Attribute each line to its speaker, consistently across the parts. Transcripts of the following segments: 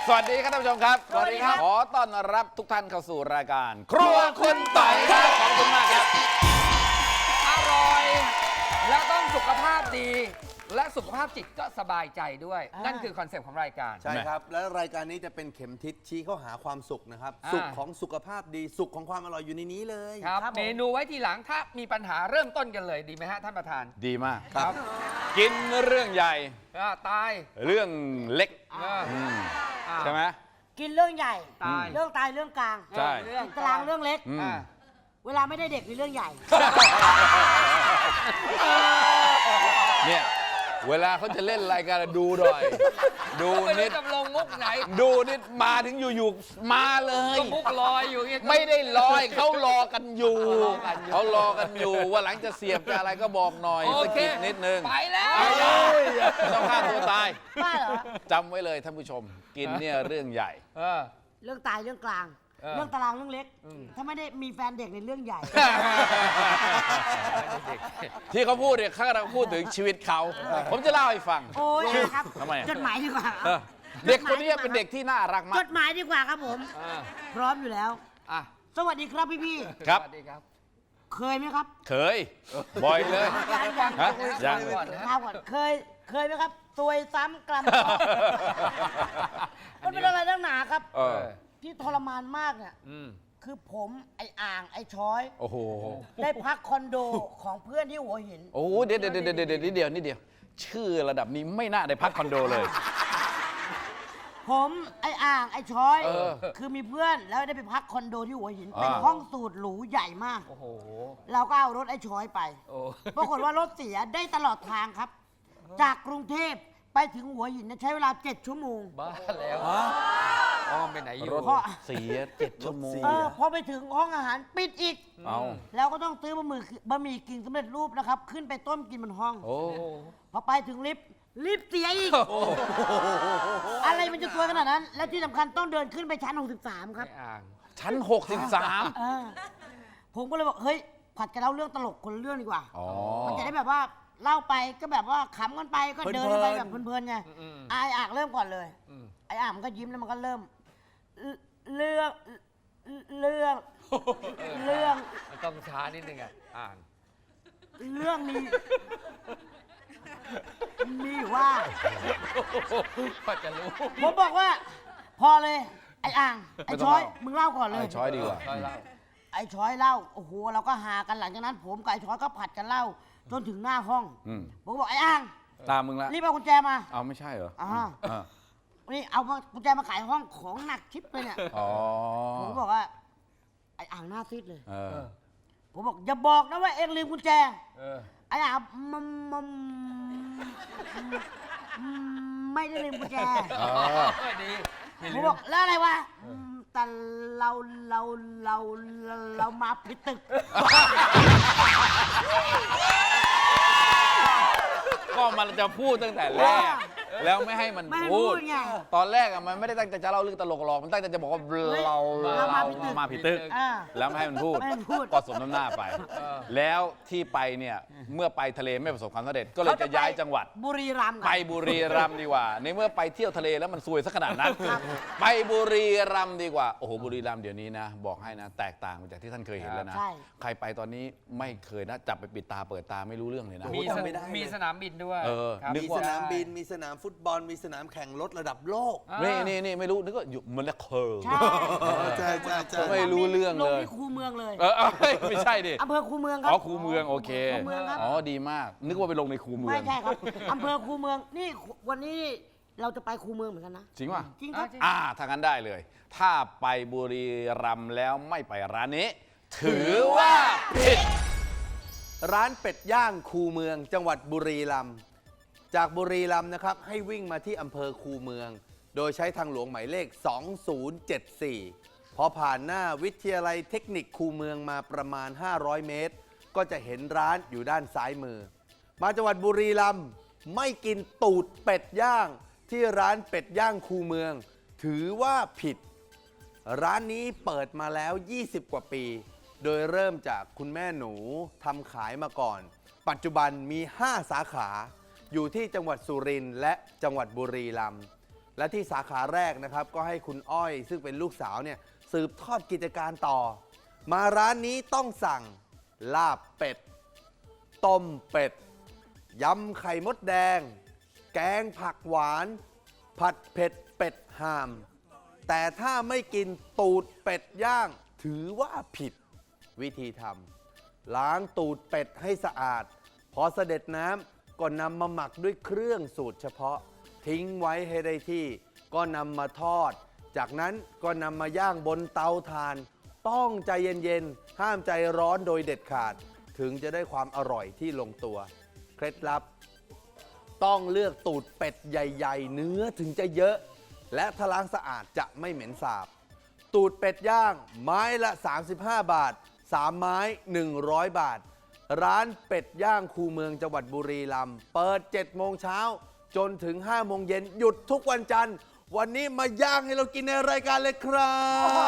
Speaker 1: สวัสดีครับท่านผู้ชมครับสวัสดีครับขอต้อนรับทุกท่านเข้าสู่รายการครัวคุณต่อยครับขอบคุณมากครับ
Speaker 2: อร่อยแล้วต้องสุขภาพดีและสุขภาพจิตก็สบายใจด้วยนั่นคือคอนเซปต์ของรายการ
Speaker 3: ใช่ครับและรายการนี้จะเป็นเข็มทิศชี้เข้าหาความสุขนะครับสุขของสุขภาพดีสุขของความอร่อยอยู่ในนี้เลย
Speaker 2: ครับเมนูไว้ทีหลังถ้ามีปัญหาเริ่มต้นกันเลยดีไหมฮะท่านประธาน
Speaker 1: ดีมาก
Speaker 2: ครับ
Speaker 1: กินเรื่องใหญ่
Speaker 2: ตาย
Speaker 1: เรื่องเล็กใช่ไหม
Speaker 4: กินเรื่องใหญ่
Speaker 2: ตาย
Speaker 4: เรื่องตายเรื่องกลาง
Speaker 1: ใช่
Speaker 4: เรื่องกลางเรื่องเล็ก เวลาไม่ได้เด็กมีเรื่องใหญ่
Speaker 1: เนี่ยเวลาเขาจะเล่นรายการดูหน่อยดูนิด
Speaker 2: จะลงมุกไหน
Speaker 1: ดูนิดมาถึงอยู่ๆมาเลย
Speaker 2: ก็มุกลอยอยู่
Speaker 1: ไม่ได้ลอยเขารอกันอยู่เขารอกันอยู่ว่าหลังจะเสียบจะอะไรก็บอกหน่อยสกิดนิดนึง
Speaker 2: ไปแล้ว
Speaker 1: ต้องฆ่าตัวตาย
Speaker 4: บ้าเหรอ
Speaker 1: จำไว้เลยท่านผู้ชมกินเนี่ยเรื่องใหญ่
Speaker 4: เรื่องตายเรื่องกลางเรื่องตารางเรื่องเล็กถ้าไม่ได้มีแฟนเด็กในเรื่องใหญ่
Speaker 1: ที่เขาพูดเนี่ยเขากำลังพูดถึงชีวิตเขาผมจะเล่าให้ฟัง
Speaker 4: โอ้ยครับ
Speaker 1: ทำไม
Speaker 4: จดหมายดีกว่า
Speaker 1: เด็กคนนี้เป็นเด็กที่น่ารักมา
Speaker 4: จ
Speaker 1: ก
Speaker 4: ดหมายดีกว่าครับผมพร้อมอยู่แล้วสวัสดีครับพี่
Speaker 1: ครับ
Speaker 2: สวัสดีครับ
Speaker 4: เคยไหมครับ
Speaker 1: เคยบ่อยเลย
Speaker 4: ยัง
Speaker 2: ก่อนนะ
Speaker 4: ก่อนเคยไหมครับซวยซ้ำกลัมมันเป็นอะไรนักหนาครับที่ทรมานมากเนี่ยคือผมไอ้อ่างไอ้ช้อย
Speaker 1: โอ้โห
Speaker 4: ได้พักคอนโดของเพื่อนที่หัวหิน
Speaker 1: โอ้เดี๋ยวนิดเดียวชื่อระดับนี้ไม่น่าได้พักคอนโดเลย
Speaker 4: ผมไอ้อ่างไอ้ช้อยคือมีเพื่อนแล้วได้ไปพักคอนโดที่หัวหินเป็นห้องสูตรหรูใหญ่มากเราก็เอารถไอ้ช้อยไปปรากฏว่ารถเสียได้ตลอดทางครับจากกรุงเทพไปถึงหัวหินใช้เวลา7 ชั่วโมง
Speaker 2: บ้าแล้วไปไหนอยู่
Speaker 1: รถเสีย7 ชั่วโมง
Speaker 4: พอไปถึงห้องอาหารปิดอีกแล้วก็ต้องซื้อบะหมี่กึ่งสำเร็จรูปนะครับขึ้นไปต้มกินบนห้องพอไปถึงลิฟต์เสียอีกอะไรมันจะตัวขนาดนั้นและที่สำคัญต้องเดินขึ้นไปชั้น63ครับ
Speaker 1: ชั้น63
Speaker 4: ผมก็เลยบอกเฮ้ยผัดกันเล่าเรื่องตลกคนละเรื่องดีกว่ามันจะได้แบบว่าเล่าไปก็แบบว่าขำกันไปก็เดินไปแบบเพลินๆไงไอ้อ่างเริ่มก่อนเลยไอ้อ่างมันก็ยิ้มแล้วมันก็เริ่มเรื่อง
Speaker 2: ต้องช้านิดนึงอ่าง
Speaker 4: เรื่องนี้มีว่า
Speaker 2: ก็จะรู้
Speaker 4: ผมบอกว่าพอเลยไอ้อ่างไอ้ช้อยมึงเล่าก่อนเลย
Speaker 1: ไอ้ช้อยดีกว่า
Speaker 4: ไอ้ช้อยเล่าโอ้โหเราก็หากันหลังจากนั้นผมกับไอ้ช้อยก็ผัดกันเล่าจนถึงหน้าห้องผมบอกไอ้อ่าง
Speaker 1: ตามมึงละ
Speaker 4: รีบเอากุญแจมา
Speaker 1: เอาไม่ใช่เหรอ
Speaker 4: นี่เอากุญแจมาขายห้องของหนักชิปเลยเนี่ยผมบอกว่าไอ้อ่างหน้าซีดเลยผมบอกอย่าบอกนะว่าเอ็งลืมกุญแจไอ้อ่างไม่ได้ลืมกุญแจผมบอกแล้วอะไรวะแต่เรามาผิดตึก
Speaker 1: ก็มันจะพูดตั้งแต่แรกแล้วไม่ให้มันพูดตอนแรกมันไม่ได้ตั้งใจจะเล่าเรื่องตลกหรอกมันตั้งใจจะบอกว่าเรามาผิดตึกแล้วไม่ให้มันพูดก็สมน้ำหน้าไปแล้วที่ไปเนี่ยเมื่อไปทะเลไม่ประสบความสำเร็จก็เลยจะย้ายจังหวัด
Speaker 4: บุรีรัมย์
Speaker 1: ไปบุรีรัมย์ดีกว่าในเมื่อไปเที่ยวทะเลแล้วมันซวยซะขนาดนั้นไปบุรีรัมย์ดีกว่าโอ้โหบุรีรัมย์เดี๋ยวนี้นะบอกให้นะแตกต่างจากที่ท่านเคยเห็นแล้วนะใครไปตอนนี้ไม่เคยนะจับไปปิดตาเปิดตาไม่รู้เรื่องเลยนะ
Speaker 2: มีสนามบินด้วย
Speaker 3: มีสนามบินมีสนามฟุตบอลมีสนามแข่งรถระดับโลก
Speaker 1: นี่ไม่รู้นึกว่าอยู่มันละเคอร์
Speaker 3: ใช่
Speaker 1: ไม่รู้เรื่องเลย
Speaker 4: ลงที่คูเมืองเลย
Speaker 1: ไม่ใช่ดิ
Speaker 4: อำเภอคูเมืองครับ
Speaker 1: คูเมืองโอเคดีมากนึกว่าไปลงในคูเมือง
Speaker 4: ไม่ใช่ครับอำเภอคูเมืองนี่วันนี้เราจะไปคูเมืองเหมือนกันนะ
Speaker 1: จริงป่ะ
Speaker 4: จริงครับ
Speaker 1: ถ้างั้นได้เลยถ้าไปบุรีรัมย์แล้วไม่ไปร้านนี้ถือว่าผิด
Speaker 3: ร้านเป็ดย่างคูเมืองจังหวัดบุรีรัมย์จากบุรีรัมย์นะครับให้วิ่งมาที่อำเภอคูเมืองโดยใช้ทางหลวงหมายเลข2074พอผ่านหน้าวิทยาลัยเทคนิคคูเมืองมาประมาณ500 เมตรก็จะเห็นร้านอยู่ด้านซ้ายมือมาจังหวัดบุรีรัมย์ไม่กินตูดเป็ดย่างที่ร้านเป็ดย่างคูเมืองถือว่าผิดร้านนี้เปิดมาแล้ว20 กว่าปีโดยเริ่มจากคุณแม่หนูทำขายมาก่อนปัจจุบันมี5 สาขาอยู่ที่จังหวัดสุรินทร์และจังหวัดบุรีรัมย์และที่สาขาแรกนะครับก็ให้คุณอ้อยซึ่งเป็นลูกสาวเนี่ยสืบทอดกิจการต่อ มาร้านนี้ต้องสั่งลาบเป็ด ต้มเป็ด ยำไข่มดแดง แกงผักหวาน ผัดเผ็ดเป็ดห่าม แต่ถ้าไม่กินตูดเป็ดย่าง ถือว่าผิดวิธีทำล้างตูดเป็ดให้สะอาด พอเสด็จน้ำก็นำมาหมักด้วยเครื่องสูตรเฉพาะ ทิ้งไว้ให้ได้ที่ ก็นำมาทอด จากนั้นก็นำมาย่างบนเตาถ่าน ต้องใจเย็นๆ ห้ามใจร้อนโดยเด็ดขาด ถึงจะได้ความอร่อยที่ลงตัว เคล็ดลับ ต้องเลือกตูดเป็ดใหญ่ๆ เนื้อถึงจะเยอะ และถ้าล้างสะอาดจะไม่เหม็นสาบ ตูดเป็ดย่างไม้ละ 35 บาท 3 ไม้ 100 บาท ร้านเป็ดย่างคูเมืองจังหวัดบุรีรัมย์เปิด 7 โมงเช้าจนถึง 5 โมงเย็นหยุดทุกวันจันทร์ วันนี้มาย่างให้เรากินในรายการเลยครับ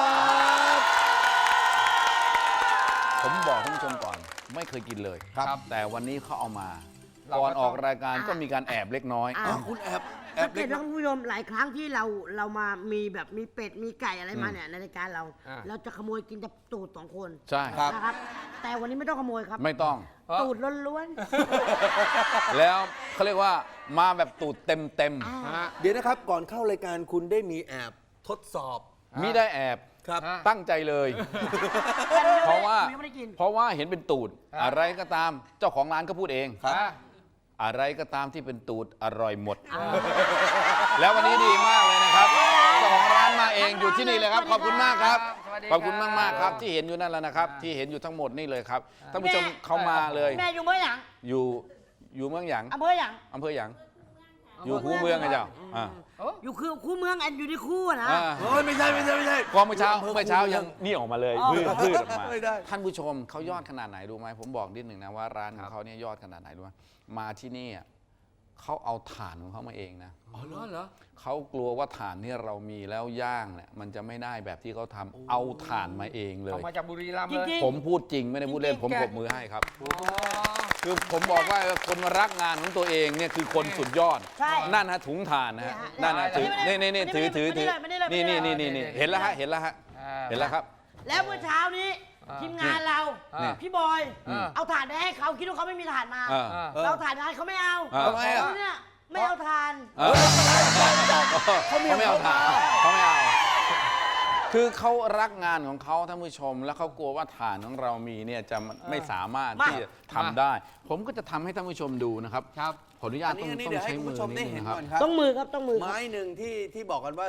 Speaker 1: ผมบอกท่านผู้ชมก่อนไม่เคยกินเลย
Speaker 3: ครับ
Speaker 1: แต่วันนี้เขาเอามา
Speaker 2: เราก็
Speaker 1: ก่อนออก
Speaker 2: ต้อง
Speaker 1: รายการก็มีการแอบเล็กน้อย
Speaker 4: อ่ะ
Speaker 3: อ้าวคุณแอบ
Speaker 4: สังเก
Speaker 3: เล็
Speaker 4: ต
Speaker 3: ก
Speaker 4: นะคุณผู้ชมหลายครั้งที่เรามามีแบบมีเป็ดมีไก่อะไรมาเนี่ยในรายการเรา
Speaker 2: อ่า
Speaker 4: เราจะขโมยกินแต่ตูด2 คน
Speaker 1: ใช่
Speaker 3: ครับ
Speaker 4: นะครับ แต่วันนี้ไม่ต้องขโมยครับ
Speaker 1: ไม่ต้อง
Speaker 4: ตูดล้วน
Speaker 1: แล้วเขาเรียกว่ามาแบบตูดเต็ม
Speaker 4: ๆอ่า
Speaker 2: ฮะ
Speaker 3: เดี๋ยวนะครับก่อนเข้ารายการคุณได้มีแอบทดสอบ
Speaker 1: ๆมิได้แอบ
Speaker 3: ครับ
Speaker 2: อ่ะ
Speaker 1: ตั้งใจเลย เพราะว่า
Speaker 4: ยังไม่ได้กิน
Speaker 1: เพราะว่าเห็นเป็นตูด
Speaker 2: อ่ะ
Speaker 1: อะไรก็ตามเจ้าของร้านก็พูดเอง
Speaker 3: ครับ
Speaker 2: อ่ะ
Speaker 1: อะไรก็ตามที่เป็นตูดอร่อยหมด แล้ววันนี้ดีมากเลยนะครับเจ้าของร้านมาเองอยู่ที่นี่เลยครับ ขอบคุณมากครับ
Speaker 2: สวัสดี
Speaker 1: ขอบคุณมากมากๆครับ
Speaker 2: บ
Speaker 1: ที่เห็นอยู่นั่นแหละนะครับ ที่เห็นอยู่ทั้งหมดนี่เลยครับท่านผู้ชม
Speaker 4: แม่
Speaker 1: เขามาเลย
Speaker 4: แม่อยู่เมื่อหยัง
Speaker 1: อยู่เมืองหยาง
Speaker 4: อำเภอหยัง
Speaker 1: อำเภอหยางอยู่คูเมืองไงเจ้าอ่า
Speaker 4: อยู่คือคู่เมืองอันอยู่ในคู่อะนะ
Speaker 1: อ่า
Speaker 3: เฮ้ยไม่ใช่
Speaker 1: ก็เมื่อเช้ายังนี่ออกมาเลย
Speaker 4: อ๋อ
Speaker 1: พืชออกมา
Speaker 3: ไม่ได้
Speaker 1: ท่านผู้ชมเขายอดขนาดไหนรู้ไหมผมบอกนิดหนึ่งนะว่าร้านของเขาเนี่ยยอดขนาดไหนรู้ไหมมาที่นี่อ่ะเขาเอาถ่านของเขามาเองนะ
Speaker 2: อ๋อเหรอ
Speaker 1: เขากลัวว่าถ่านที่เรามีแล้วย่างเนี่ยมันจะไม่ได้แบบที่เขาทำเอาถ่านมาเองเล
Speaker 2: เอา
Speaker 1: ย
Speaker 2: มาจากบุรีรัมย์
Speaker 4: จ
Speaker 2: เลย
Speaker 4: ริง
Speaker 1: ผมพูดจริงไม่ได้พูดเล่น
Speaker 2: จริงๆ
Speaker 1: ผม
Speaker 2: แก
Speaker 1: ปรบมือให้ครับ
Speaker 2: อ๋อ
Speaker 1: คือผมบอกว่าคนรักงานของตัวเองเนี่ยคือคนสุดยอด
Speaker 4: ใช่
Speaker 1: นั่นฮะถุงถ่านนะฮะนั่นฮะถือนี่ถือนี่เห็นแล้วฮะเห็นแล้วฮะเห็นแล้วครับ
Speaker 4: แล้วเมื่อเช้านี้ ทีมงานเรา
Speaker 1: นี่
Speaker 4: พี่บอย
Speaker 2: อืม
Speaker 4: เอาถ่านไปให้เขาคิดว่าเขาไม่มีถ่านมา
Speaker 1: อ่า
Speaker 4: เราถ่านมาให้เขาไม่เอา
Speaker 1: ทำไมอ่ะ
Speaker 4: เขาเนี่ยไม่เอาถ่าน
Speaker 1: เขาไม่เอาถ่านเขาไม่เอาคือเขารักงานของเขาท่านผู้ชม แล้วเขากลัวว่าฐานของเรามีเนี่ยจะไม่สามารถที่จะทำได้ ผมก็จะทำให้ท่านผู้ชมดูนะครับ
Speaker 2: ครับ
Speaker 1: ขออนุญาต
Speaker 3: อัน
Speaker 1: ต้
Speaker 3: นี้
Speaker 1: อง
Speaker 3: เดี๋ยว
Speaker 1: ใช้
Speaker 3: ให้คุณ
Speaker 1: มือ
Speaker 3: ผู้ชมได้
Speaker 1: นิด
Speaker 3: เห็
Speaker 1: นึ
Speaker 3: น
Speaker 1: งครับ
Speaker 3: ก่อนครับ
Speaker 4: ต้องมือครับต้องมือครับ
Speaker 3: ไม้หนึ่งที่บอกกันว่า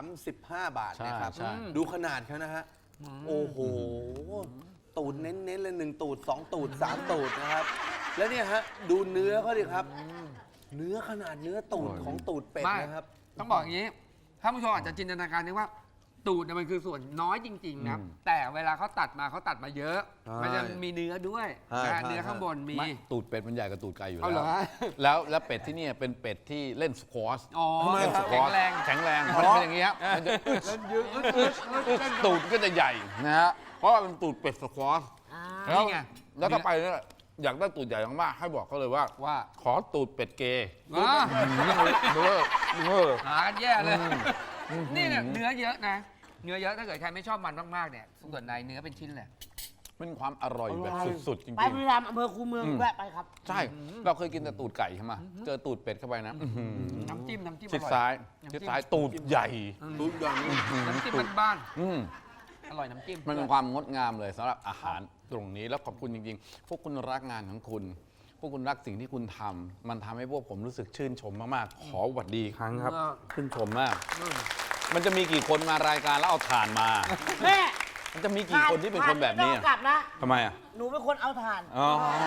Speaker 3: 35 บาทนะครับ
Speaker 1: ใช่
Speaker 3: ดูขนาดเขานะฮะ โอ้โห ตูดเน้นๆเลย1 ตูด 2 ตูด 3 ตูดนะครับ แล้วเนี่ยฮะ ดูเนื้อเขาดิครับ เนื้อขนาดเนื้อตูดของตูดเป็ด
Speaker 2: ไม่
Speaker 3: นะครับ
Speaker 2: ต้องบอกอย่างนี้ท่านผู้ชมอาจจะจินตนาการนึกว่า ตูดเนี่ยมันคือส่วนน้อยจริงๆนะแต่เวลาเขาตัดมาเยอะ
Speaker 3: ใช่
Speaker 2: มันจะมีเนื้อด้วย
Speaker 3: ใช่
Speaker 2: นะ
Speaker 3: ใช่
Speaker 2: เนื้อข้างบนมี
Speaker 1: ไม่ตูดเป็ดมันใหญ่กว่าตูดไก่อยู่
Speaker 2: เอาเหรอฮะ
Speaker 1: แล้วเป็ดที่เนี่ยเป็นเป็ดที่เล่นสควอช
Speaker 2: อ๋อ
Speaker 1: เล่นสคว
Speaker 2: แข็
Speaker 1: อง ช
Speaker 2: แรง
Speaker 1: แข็งแรงมันเป็นอย่างเงี้ยมันจะตูดก็จะใหญ่นะฮะเพราะว่าเป็นตูดเป็ดสควอช
Speaker 2: นี่
Speaker 1: แล้ว
Speaker 2: ไง
Speaker 1: แล้วถ้าไปเนี่ยอยากได้ตูดใหญ่มากๆให้บอกเขาเลยว่า
Speaker 2: ว่า
Speaker 1: ขอตูดเป็ดเกย์
Speaker 2: อ่า
Speaker 1: เออ
Speaker 2: หากันแย่เลย นี่เนี่ยเนื้อเยอะนะ เนื้อเยอะถ้าเกิดใครไม่ชอบมันมากๆเนี่ยส่วนในเนื้อเป็นชิ้นเลย
Speaker 1: เป็นความอร่อยแบบสุดๆจริง
Speaker 4: ไปบุรีรัมย์อำเภอคูเมืองแวะไปครับ
Speaker 1: ๆใช่ เราเคยกินแต่ตูดไก่ใช่ไหมเจอตูดเป็ดเข้าไปนะ
Speaker 2: น้ำจิ้ม
Speaker 1: ชิด
Speaker 2: อร่อย
Speaker 1: ซ้าย
Speaker 2: น้ำจิ้ม
Speaker 1: ชิดซ้ายตูดใหญ่
Speaker 3: ตูดใหญ่
Speaker 2: น้ำจิ้มบ้าน
Speaker 1: อืม
Speaker 2: ๆอร่อยน้ำจิ้ม
Speaker 1: มันเป็นความงดงามเลยสำหรับอาหารตรงนี้แล้วขอบคุณจริงๆ พวกคุณรักงานของคุณ พวกคุณรักสิ่งที่คุณทำมันทำให้พวกผมรู้สึกชื่นชมมากๆ ขอหวัดดีอีกครั้งครับ ชื่นชมมาก มันจะมีกี่คนมารายการแล้วเอาถ่านมา
Speaker 4: แม่
Speaker 1: มันจะมีกี่คนที่เป็นคนแบบนี้
Speaker 4: ถ่าไม่ต้องกลับนะ
Speaker 1: ทำไมอ่ะ
Speaker 4: หนูเป็นคนเอาถ่าน
Speaker 1: อ๋อ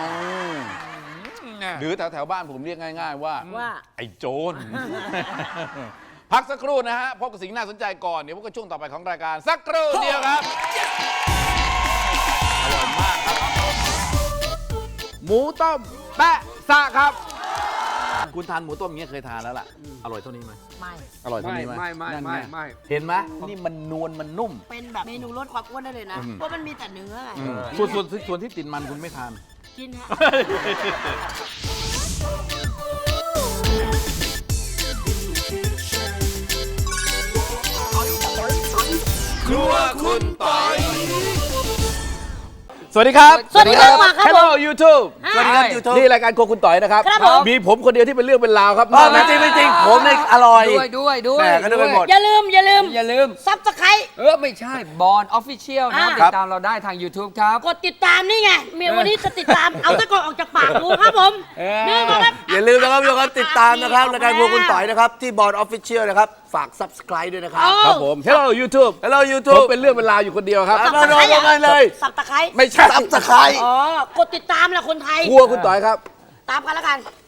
Speaker 2: เนี่ย
Speaker 1: หรือแถวๆบ้านผมเรียกง่าย ๆ ว่า
Speaker 4: ว่า
Speaker 1: ไอ้โจร พักสักครู่นะฮะพบกับสิ่งน่าสนใจก่อน เดี๋ยวพบกับช่วงต่อไปของรายการสักครู่เดียวครับ อร่อยมากครับ หมูต้มแปะซะครับ คุณทานหมูต้มอย่างเงี้ยเคยทานแล้วล่ะ อร่อยเท่านี้ไหม
Speaker 4: ไม่
Speaker 1: อร่อยเท่านี้ไหม
Speaker 2: ไม่
Speaker 1: นั่น
Speaker 2: ไม่
Speaker 1: ง
Speaker 2: ไม่
Speaker 1: เห็นไหมนี่มันนวลมันนุ่ม
Speaker 4: เป็นแบบเมนูลดความอ้วนได้เลยนะ เพราะมันมีแต่เนื้อไง
Speaker 1: ส่วนที่ติดมันคุณไม่ทาน
Speaker 4: กินฮะ
Speaker 5: Future.
Speaker 3: ครัวคุณปอย
Speaker 1: สวัสดีครับ
Speaker 4: สวัสดีครับมาครับผม
Speaker 1: Hello YouTube
Speaker 3: สวัสดีครับยูทูบ
Speaker 1: นี่รายการโครัวคุณต่อยนะครับ
Speaker 4: ครับผม
Speaker 1: มีผมคนเดียวที่เป็นเรื่องเป็นราวครับ
Speaker 3: ไม่จริงไม่จริงผมเนี่ยอร่อย
Speaker 2: ด้วย
Speaker 3: แหม่ก็นึกไปหมด
Speaker 4: อย่าลืม ซับสไครต์
Speaker 2: ไม่ใช่บอลออฟฟิเชียลนะ
Speaker 4: อ่า
Speaker 2: ติดตามเราได้ทาง YouTube ครับ
Speaker 4: กดติดตามนี่ไงวันนี้จะติดตาม เอาตะกอนออกจากปากดูครับผม นี่มาครับ
Speaker 3: อย่าลืมนะครับทุกคนติดตามนะครับรายการครัวคุณต่อยนะครับ ที่บอร์ดออฟฟิเชียลนะครับ ฝาก subscribe ด้วยนะครับ
Speaker 1: ครับผม Hello YouTube
Speaker 3: Hello
Speaker 1: ผม
Speaker 3: YouTube
Speaker 1: เป็นเรื่องเป็นราวอยู่คนเดียวครับ
Speaker 3: อ่ะมาเลย
Speaker 4: สับตะไคร้
Speaker 1: ไม่ใช่
Speaker 3: subscribe
Speaker 4: อ๋อ กดติดตามแหละคนไทย
Speaker 1: ครัวคุณต่อยครับ
Speaker 4: ตามกันแล้วกัน